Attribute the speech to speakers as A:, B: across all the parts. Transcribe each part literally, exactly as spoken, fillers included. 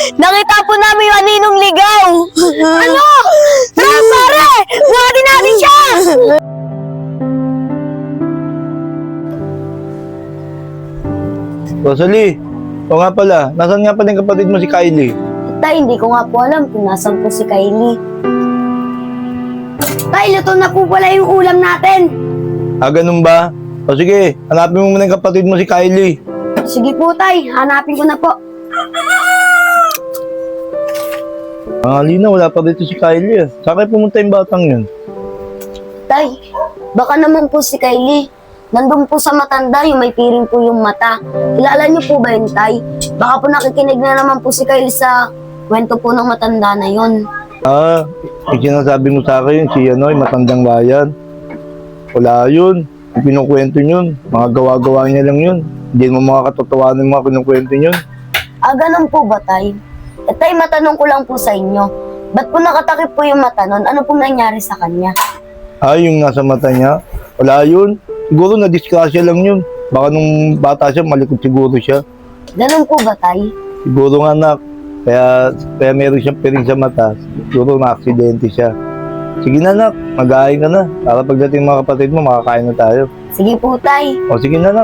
A: Nakita po namin yung aninong ligaw! Ano? Tara, pare! Buhatin natin siya!
B: Rosalie, o nga pala, nasan nga pala yung kapatid mo si Kylie?
A: Tay, hindi ko nga po alam kung nasan po si Kylie. Tay, luto na po pala yung ulam natin.
B: Ah, ganun ba? O sige, hanapin mo muna yung kapatid mo si Kylie.
A: Sige po, Tay. Hanapin ko na po.
B: Ang halina, wala pa dito si Kylie. Ah. Saan kayo pumunta yung batang yun?
A: Tay, baka naman po si Kylie. Nandun po sa matanda, yung may piring po yung mata. Kilala niyo po ba yun, Tay? Baka po nakikinig na naman po si Kylie sa kwento po ng matanda na yun.
B: Ah, yung sinasabi mo sa akin, si ano, yung matandang bayan. Wala yun. Yung kinukwento yun, mga gawa-gawa niya lang yun. Hindi mo mga katotohanan yung mga kinukwento yun.
A: Ah, ganun po ba, Tay? Eh, Tay, matanong ko lang po sa inyo. Ba't po nakatakip po yung mata nun? Ano pong nangyari sa kanya?
B: Ah, yung nasa mata niya, wala yun. Siguro na-disgrasya lang yun. Baka nung bata siya, malikot siguro siya.
A: Ganun po ba, Tay?
B: Siguro nga anak, kaya, kaya meron siyang piring sa mata. Siguro na-aksidente siya. Sige na anak, mag-aay ka na. Para pagdating mga kapatid mo, makakain na tayo.
A: Sige po, Tay.
B: O sige na anak.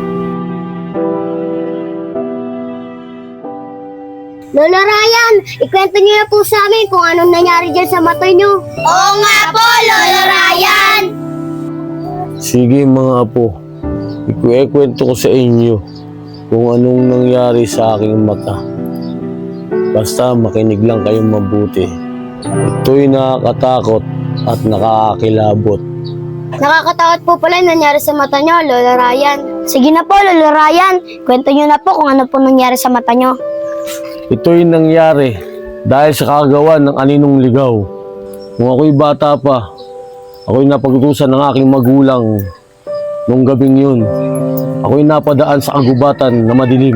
A: Lola Ryan, ikwento niyo na po sa amin kung anong nangyari dyan sa mata niyo. Oo nga po, Lola Ryan!
C: Sige mga apo, ikukwento ko sa inyo kung anong nangyari sa aking mata. Basta makinig lang kayong mabuti. Ito'y nakakatakot at nakakakilabot.
A: Nakakatakot po pala yung nangyari sa mata niyo, Lola Ryan. Sige na po, Lola Ryan. Kwento niyo na po kung ano po nangyari sa mata niyo.
C: Ito'y nangyari dahil sa kagawan ng aninong ligaw. Kung ako'y bata pa, ako'y napagutusan ng aking magulang nung gabing yun. Ako'y napadaan sa kagubatan na madilim.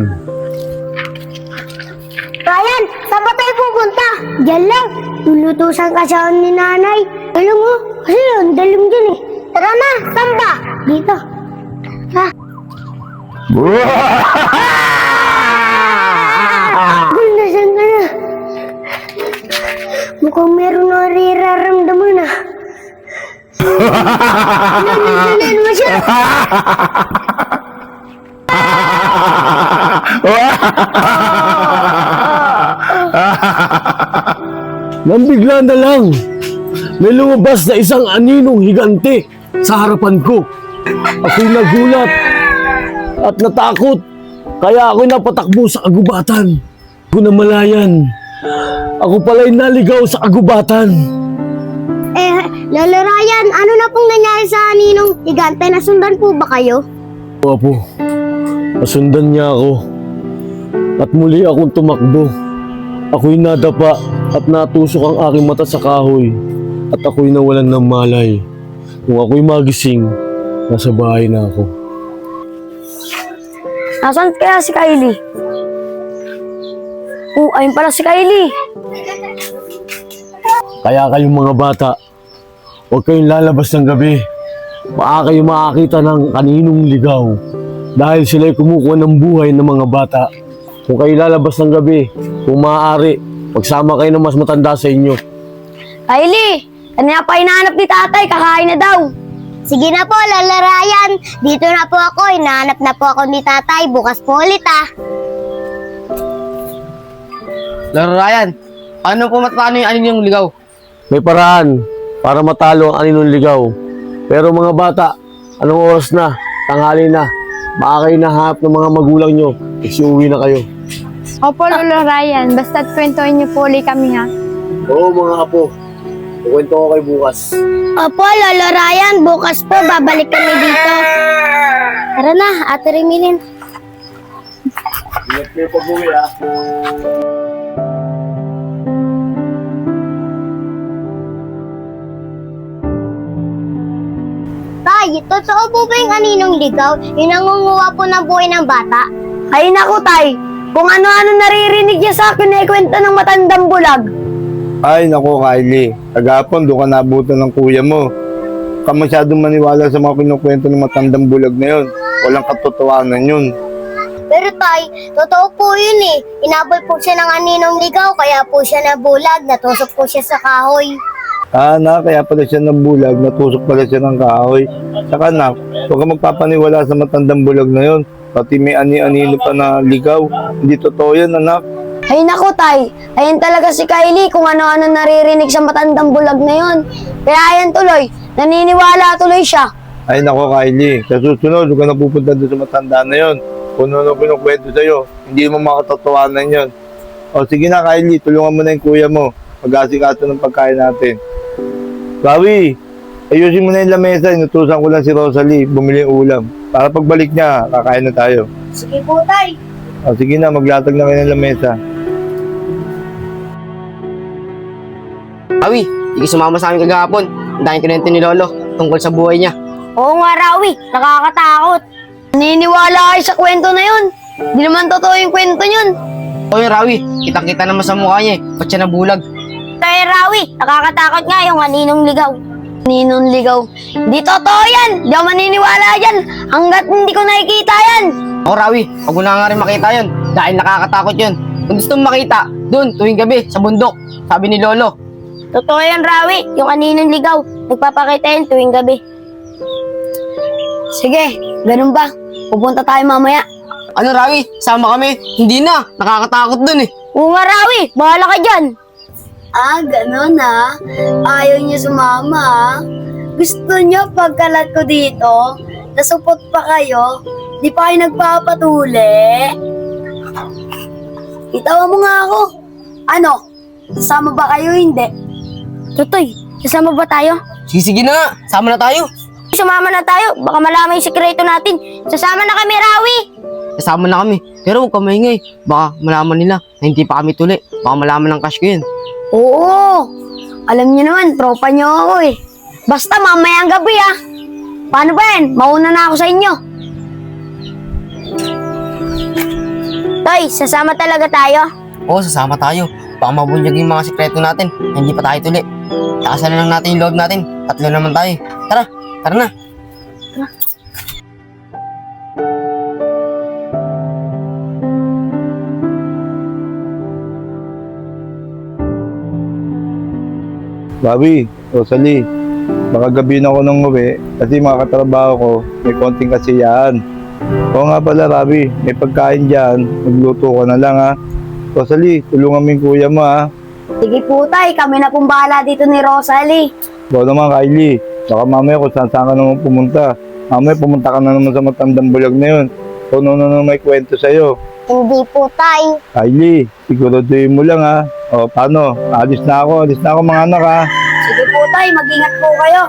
A: Ryan, saan ba tayo pupunta? Diyan lang. Lulutusan ka sa ni nanay. Alam mo, kasi yun, dalim dyan eh. Tara na, saan ba? Dito. Ha? Nasaan ka na? Mukhang meron na riraramdaman ah. Nanananan mo siya.
C: Nang bigla na lang, may lumabas na isang aninong higante sa harapan ko. Ako'y nagulat at natakot, kaya ako'y napatakbo sa kagubatan. Ko namalayan, ako pala'y naligaw sa kagubatan.
A: Eh, Lolo Ryan, ano na pong nangyari sa ninong higante? Nasundan po ba kayo?
C: Apo, nasundan niya ako at muli akong tumakbo. Ako'y nadapa at natusok ang aking mata sa kahoy at ako'y nawalan ng malay. Kung ako'y magising, nasa bahay na ako.
A: Nasaan kaya si Kylie? Oh, ayun pala si Kylie.
C: Kaya kayong mga bata, huwag kayong lalabas ng gabi. Baka kayo makakita ng kaninong ligaw dahil sila'y kumukuha ng buhay ng mga bata. Kung kayo lalabas ng gabi, kung maaari, magsama kayo ng mas matanda sa inyo.
A: Kylie, kanina pa hinahanap ni tatay, kakain na daw. Sige na po, Lola Ryan. Dito na po ako, hinahanap na po ako ni tatay. Bukas po ulit ah.
D: Laro Ryan, ano po matano yung anin yung ligaw?
C: May paraan para matalo ang aninong ligaw. Pero mga bata, anong oras na? Tanghali na. Baka kayo nahanap ng mga magulang nyo. Isi-uwi na kayo.
E: Opo, Lolo Ryan. Basta't kwentuhin niyo po ulit kami, ha?
C: Oo mga apo. Kukwento ko kayo bukas.
A: Opo, Lolo Ryan. Bukas po, babalik kami dito. Tara na, Ate Remilin.
C: Ingat kayo pag-uwi ha.
A: Tay, totoo po ba yung aninong ligaw? Yung nangunguha po ng buhay ng bata? Ay naku, Tay. Kung ano-ano naririnig niya sa akin na ikwento ng matandang bulag.
B: Ay, naku Kylie. Kagapon, doon ka nabutan ng kuya mo. Ka masyadong maniwala sa mga kinukwento ng matandang bulag na yun. Walang katotohanan yun.
F: Pero tay, totoo po yun eh. Inabol po siya ng aninong ligaw, kaya po siya nabulag, natusok po siya sa kahoy.
B: Ah, anak, kaya pala siya ng bulag, natusok pala siya ng kahoy. Saka anak, huwag ka magpapaniwala sa matandang bulag na yon. Pati may ani-anino pa na ligaw. Hindi totoo yan, anak.
A: Ay nako tay, ayan talaga si Kylie kung ano-ano naririnig sa matandang bulag na yon. Kaya ayan tuloy, naniniwala tuloy siya.
B: Ay nako, Kylie, sa susunod, huwag ka na pupunta doon sa matanda na yon. Kung ano kinukwento sa'yo, hindi mo makatotohanan yon. O sige na, Kylie, tulungan mo na yung kuya mo. Mag-asikaso ng pagkain natin. Rawi, ayusin mo na yung lamesa. Inutusan ko lang si Rosalie, bumili yung ulam. Para pagbalik niya, kakain na tayo.
F: Sige po tay.
B: O sige na, maglatag na kayo ng lamesa.
D: Rawi, hindi ka sumama sa amin kagahapon. Ang daming kinento ni Lolo tungkol sa buhay niya.
A: Oo nga Rawi, nakakatakot. Naniniwala kayo sa kwento na yun. Di naman totoo yung kwento yun.
D: O yun, Rawi, kitang-kita naman sa mukha niya eh. Ba't siya nabulag?
A: Kaya Rawi, nakakatakot nga yung aninong ligaw. Aninong ligaw. Di totoo yan. Di ako maniniwala yan. Hanggat hindi ko nakikita yan.
D: O Rawi, huwag mo na nga rin makita yun. Dahil nakakatakot yun. Kung gusto mong makita, dun, tuwing gabi, sa bundok. Sabi ni Lolo.
A: Totoo yan Rawi, yung aninong ligaw. Nagpapakita yan tuwing gabi. Sige, ganun ba? Pupunta tayo mamaya.
D: Ano Rawi, sama kami? Hindi na, nakakatakot dun eh.
A: Oo nga Rawi, bahala ka dyan. Ah, ganun ah. Ayaw niya sumama ah. Gusto niya pagkalat ko dito, nasupot pa kayo, di pa kayo nagpapatuli. Itawa mo nga ako. Ano? Sasama ba kayo hindi? Tutoy, sasama ba tayo?
D: Sige, sige na nga, sama na tayo.
A: Sumama na tayo, baka malaman yung sekreto natin. Sasama na kami, Rawi.
D: Kasama na kami, pero huwag ka maingay. Baka malaman nila na hindi pa kami tuli. Baka malaman ng cash ko yun.
A: Oo, alam niyo naman, tropa niyo ako eh. Basta mamayang gabi ah. Paano ba yan? Mauna na ako sa inyo. Toy, sasama talaga tayo?
D: Oo, sasama tayo. Baka mabunyag yung mga sekreto natin na hindi pa tayo tuli. Takasan na lang natin yung loob natin. Tatlo naman tayo. Tara, tara na.
B: Rawi, Rosalie, baka gabi na ako nang uwi kasi mga katrabaho ko may konting kasiyahan. Oo nga pala, Rawi, may pagkain dyan. Magluto ko na lang ha. Rosalie, tulungan mo yung kuya mo ha.
A: Sige po tay, kami na pong bahala dito ni Rosalie.
B: Ikaw naman, Kylie. Baka mamaya kung saan saan ka naman pumunta. Mamaya pumunta ka na naman sa matandang bulag na yun. Kung ano na may kwento sa'yo.
F: Hindi po tay.
B: Kylie, siguraduhin mo lang ha. O, paano? Alis na ako. Alis na ako mga anak ha.
A: Sige po tay, mag-ingat po kayo.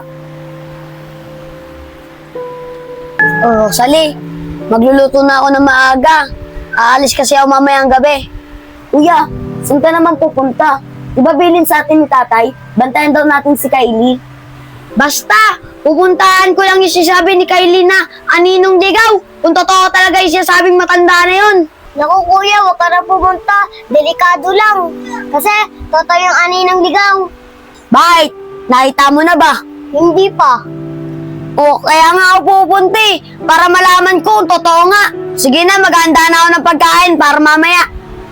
A: Oh, Rosalie, magluluto na ako ng maaga. Aalis kasi ako mamayang gabi. Kuya, saan ka naman pupunta? Di ba bilin sa atin ni tatay? Bantayan daw natin si Kylie. Basta, pupuntahan ko lang yung sinasabi ni Kylie na aninong ligaw. Kung totoo talaga yung sinasabing matanda na yun.
F: Naku kuya, huwag ka na pumunta. Delikado lang. Kasi, totoo yung aninang ligaw.
A: Bakit? Nakita mo na ba?
F: Hindi pa.
A: O, kaya nga ako pupunta eh, para malaman ko kung totoo nga. Sige na, maghahanda na ako ng pagkain para mamaya.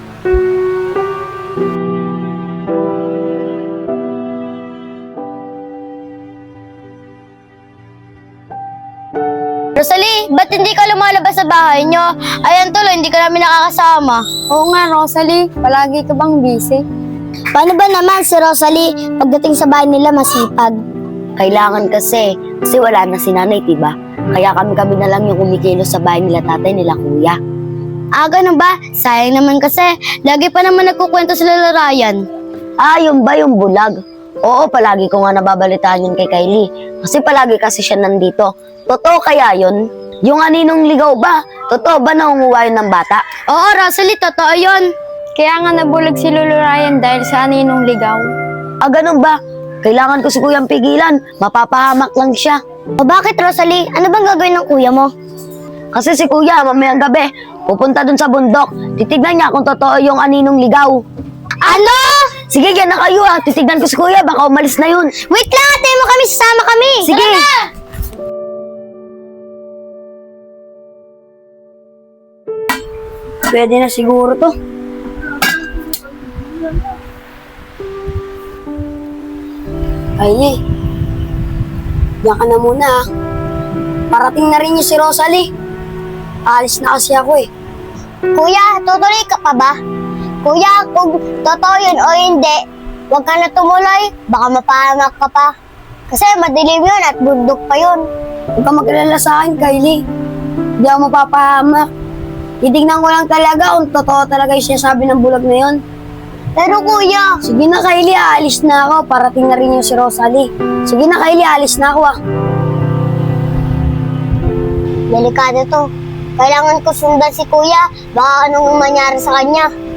F: Rosalie, ba't hindi ka lumalabas sa bahay nyo? Ayan tuloy, hindi ka namin nakakasama.
E: Oo nga, Rosalie. Palagi ka bang busy?
F: Paano ba naman si Rosalie pagdating sa bahay nila masipag?
A: Kailangan kasi, kasi wala na si nanay, diba? Kaya kami-kami na lang yung kumikilos sa bahay nila tatay nila kuya.
F: Ah, ganun ba? Sayang naman kasi. Lagi pa naman nagkukwento sila Ryan.
A: Ah, yun ba yung bulag? Oo, palagi ko nga nababalitaan yun kay Kylie. Kasi palagi kasi siya nandito. Totoo kaya yun? Yung aninong ligaw ba? Totoo ba na umuha yun ng bata?
F: Oo, Rosalie, totoo yun.
E: Kaya nga nabulag si Lolo Ryan dahil sa aninong ligaw.
A: Ah, ganun ba? Kailangan ko si kuyang pigilan. Mapapahamak lang siya.
F: O bakit, Rosalie? Ano bang gagawin ng kuya mo?
A: Kasi si kuya, mamayang gabi, pupunta dun sa bundok. Titignan niya kung totoo yung aninong ligaw.
F: Ano?
A: Sige, yan na kayo ah. Titignan ko si kuya, baka umalis na yun.
F: Wait lang, tayo mo kami, sasama kami.
A: Sige.
F: Tara na!
A: pwede na siguro to. Kylie, diyan ka na muna ah. Parating na rin yung si Rosalie. Alis na kasi ako eh.
F: Kuya, tutuloy ka pa ba? Kuya, kung totoo yun o hindi, huwag ka na tumuloy. Baka mapahamak ka pa. Kasi madilim yun at bundok pa yun.
A: Huwag ka mag-alala sa akin, Kylie. Hindi ako mapapahamak. Titignan ko lang talaga kung totoo talaga yung sinasabi ng bulag na yun.
F: Pero kuya,
A: Sige na, Kylie, aalis na ako. Parating na rin yung si Rosalie. Sige na, Kylie, aalis na ako ah.
F: delikado to. Kailangan ko sundan si kuya. Baka anong mangyari sa kanya.